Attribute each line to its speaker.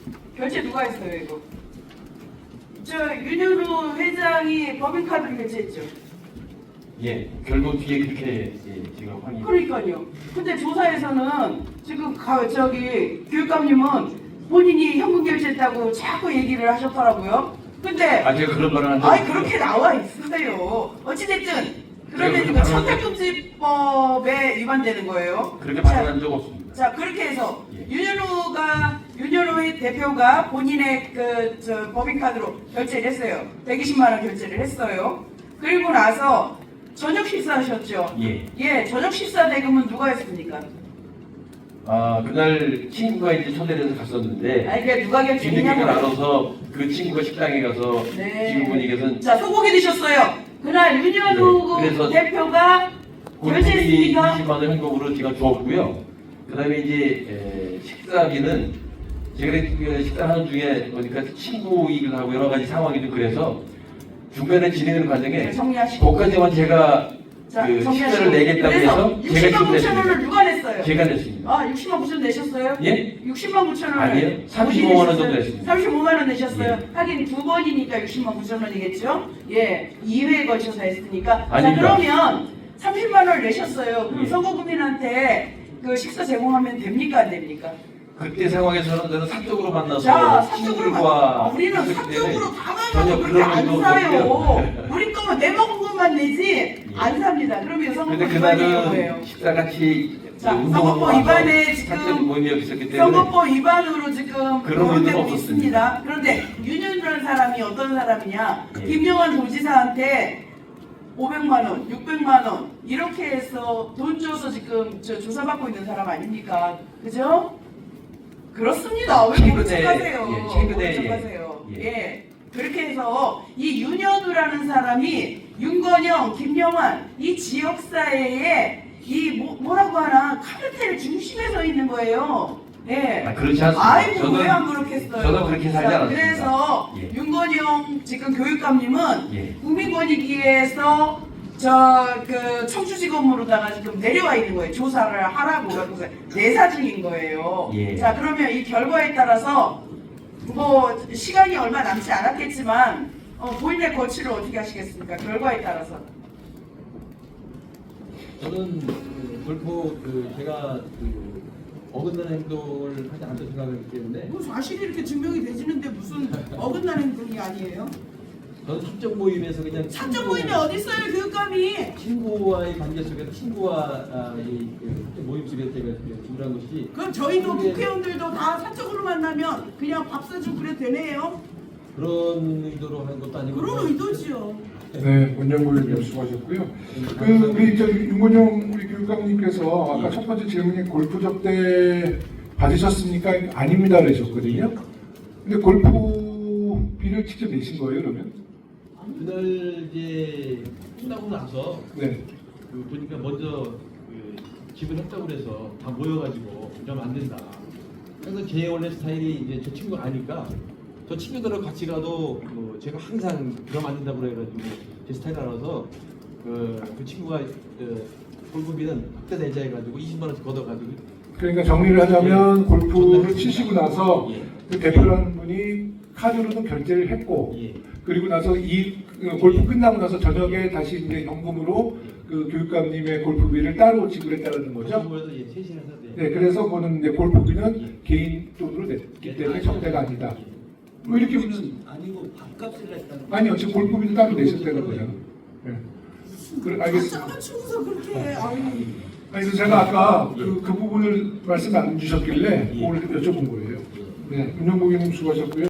Speaker 1: 결제 누가 했어요 이거? 저 윤현우 회장이 법인카드를 결제했죠.
Speaker 2: 예, 결국 뒤에 그렇게 지금 확인.
Speaker 1: 그러니까요. 근데 조사에서는 지금 저기 교육감님은 본인이 현금 결제했다고 자꾸 얘기를 하셨더라고요. 근데
Speaker 2: 제가 그런 말을 한 적이
Speaker 1: 아니
Speaker 2: 없어요.
Speaker 1: 그렇게 나와 있으세요. 어찌됐든 그러면
Speaker 2: 그렇게
Speaker 1: 이거
Speaker 2: 발언한
Speaker 1: 청탁금지법에 위반되는 거예요.
Speaker 2: 그렇게
Speaker 1: 자,
Speaker 2: 발언한 적 없습니다.
Speaker 1: 자 그렇게 해서
Speaker 2: 예.
Speaker 1: 윤현우 대표가 본인의 저 법인카드로 결제를 했어요. 120만 원 결제를 했어요. 그리고 나서 저녁 식사하셨죠?
Speaker 2: 예.
Speaker 1: 저녁 식사 대금은 누가 했습니까?
Speaker 2: 그날 친구가 이제 초대를 해서 갔었는데
Speaker 1: 아니 그게 누가
Speaker 2: 뒤늦게
Speaker 1: 결제했냐고.
Speaker 2: 알아서 그 친구가 식당에 가서
Speaker 1: 네.
Speaker 2: 직원분에게서는
Speaker 1: 자 소고기 드셨어요. 그날 윤현우
Speaker 2: 네, 그래서
Speaker 1: 대표가 결제했습니까?
Speaker 2: 20만 원 현금으로 제가 주었고요. 그다음에 이제 식사비는 제가 그 식사하는 중에 보니까 친구이기도 하고 여러 가지 상황이 좀 그래서 중간에 진행하는 과정에
Speaker 1: 네, 정리하시고.
Speaker 2: 거기까지만 제가
Speaker 1: 자,
Speaker 2: 그
Speaker 1: 정리하시고.
Speaker 2: 식사를 내겠다고 해서
Speaker 1: 그래서
Speaker 2: 제가
Speaker 1: 60만 9천 원을
Speaker 2: 지불했습니다.
Speaker 1: 누가 냈어요?
Speaker 2: 제가 냈습니다.
Speaker 1: 60만 9천 내셨어요?
Speaker 2: 예?
Speaker 1: 60만 9천 원을
Speaker 2: 아니에요. 35만 원 정도 냈습니다.
Speaker 1: 35만 원 내셨어요.
Speaker 2: 예.
Speaker 1: 하긴 두 번이니까 60만 9천 원이겠죠? 예, 2회에 걸쳐서 했으니까. 자
Speaker 2: 아닙니다.
Speaker 1: 그러면 30만 원을 내셨어요. 그럼
Speaker 2: 예.
Speaker 1: 선거구민한테 그 식사 제공하면 됩니까 안 됩니까?
Speaker 2: 그때 상황에서는 저는 사적으로 만나서
Speaker 1: 자, 사적으로
Speaker 2: 친구와
Speaker 1: 우리는
Speaker 2: 했기
Speaker 1: 사적으로
Speaker 2: 때문에
Speaker 1: 다
Speaker 2: 전혀
Speaker 1: 가면 그렇게 안
Speaker 2: 의도가
Speaker 1: 사요.
Speaker 2: 없고요.
Speaker 1: 우리 거만 내 먹은 것만 내지 안 삽니다. 그러면 선거법
Speaker 2: 근데
Speaker 1: 위반이에요,
Speaker 2: 그날은
Speaker 1: 뭐예요?
Speaker 2: 식사같이
Speaker 1: 자,
Speaker 2: 운동하고
Speaker 1: 선거법 위반에
Speaker 2: 와서
Speaker 1: 지금
Speaker 2: 사적 모임이 있었기 때문에
Speaker 1: 선거법 위반으로 지금
Speaker 2: 그런
Speaker 1: 거론되고
Speaker 2: 의도는
Speaker 1: 있습니다.
Speaker 2: 없었습니다.
Speaker 1: 그런데 윤현주라는 사람이 어떤 사람이냐?
Speaker 2: 예.
Speaker 1: 김영환 도지사한테 500만 원, 600만 원 이렇게 해서 돈 줘서 지금 조사받고 있는 사람 아닙니까? 그죠? 그렇습니다. 왜 모른
Speaker 2: 최근에,
Speaker 1: 척하세요?
Speaker 2: 예, 최근에,
Speaker 1: 모른 척하세요.
Speaker 2: 예.
Speaker 1: 예. 그렇게 해서 이 윤현우라는 사람이 윤건영, 김영환 이 지역사회에 이 뭐라고 하나 카르텔 중심에 서 있는 거예요. 예.
Speaker 2: 그렇지 않습니다.
Speaker 1: 아이고 왜 안 그렇겠어요?
Speaker 2: 저는 그렇게 살지
Speaker 1: 자,
Speaker 2: 않았습니다.
Speaker 1: 그래서
Speaker 2: 예.
Speaker 1: 윤건영 지금 교육감님은
Speaker 2: 예.
Speaker 1: 국민권익위에서 그 청주지검으로다가 지금 내려와 있는 거예요. 조사를 하라고 그래서 내사 중인 거예요.
Speaker 2: 예.
Speaker 1: 자 그러면 이 결과에 따라서 뭐 시간이 얼마 남지 않았겠지만 본인의 거취를 어떻게 하시겠습니까? 결과에 따라서.
Speaker 3: 저는 결코 제가 어긋나는 행동을 하지 않다 생각하기 때문에
Speaker 1: 뭐 사실이 이렇게 증명이 되지는데 무슨 어긋나는 행동이 아니에요?
Speaker 3: 저는 사적 모임에서 그냥
Speaker 1: 사적 모임이 어디 있어요, 교육감이?
Speaker 3: 친구와의 관계 속에서 친구와 모임 속에서 제가 지불한 것이
Speaker 1: 그럼 저희도
Speaker 3: 그게
Speaker 1: 국회의원들도 다 사적으로 만나면 그냥 밥 사주고 그래도 되네요?
Speaker 3: 그런 의도로 한 것도 아니고
Speaker 1: 그런 의도지요.
Speaker 4: 네, 원장고 의견 수고하셨고요. 우리 윤건영 우리 교육감님께서 아까
Speaker 3: 예.
Speaker 4: 첫 번째 질문에 골프 접대 받으셨습니까? 아닙니다 그러셨거든요. 근데 골프비를 직접 내신 거예요, 그러면?
Speaker 3: 그날 이제 끝나고 나서
Speaker 4: 네.
Speaker 3: 보니까 먼저 지불했다고 그래서 다 모여가지고 이러면 안 된다. 그래서 제 원래 스타일이 이제 저 친구가 아니까 저 친구들하고 같이 가도 제가 항상 그러면 안 된다고 그래가지고 제 스타일 알아서 그 친구가 골프비는 그때 내자 해가지고 20만 원씩 걷어가지고
Speaker 4: 그러니까 정리를 하자면
Speaker 3: 예.
Speaker 4: 골프를
Speaker 3: 전달했습니다.
Speaker 4: 치시고 나서
Speaker 3: 예.
Speaker 4: 그 대표라는 분이 카드로도 결제를 했고
Speaker 3: 예.
Speaker 4: 그리고 나서 이 골프 끝나고 나서 저녁에 다시 이제 현금으로 그 교육감님의 골프비를 따로 지불했다는 거죠.
Speaker 3: 그래서 예, 3시간 사대.
Speaker 4: 네, 그래서 그거는 이제 골프비는
Speaker 3: 예.
Speaker 4: 개인 돈으로 냈기 때문에
Speaker 3: 예.
Speaker 4: 적대가 아니다.
Speaker 3: 예.
Speaker 4: 뭐 이렇게
Speaker 5: 아니고 밥값을 냈다는
Speaker 4: 아니요, 지금 골프비도 따로 내셨다는 거예요. 네. 그래, 알겠습니다.
Speaker 1: 짜만 추고서 그렇게 아유.
Speaker 4: 아니, 그래서 제가 아까 그 부분을 말씀 안 주셨길래
Speaker 3: 예.
Speaker 4: 그걸 여쭤본 거예요. 네, 윤영국 의원님 수고하셨고요.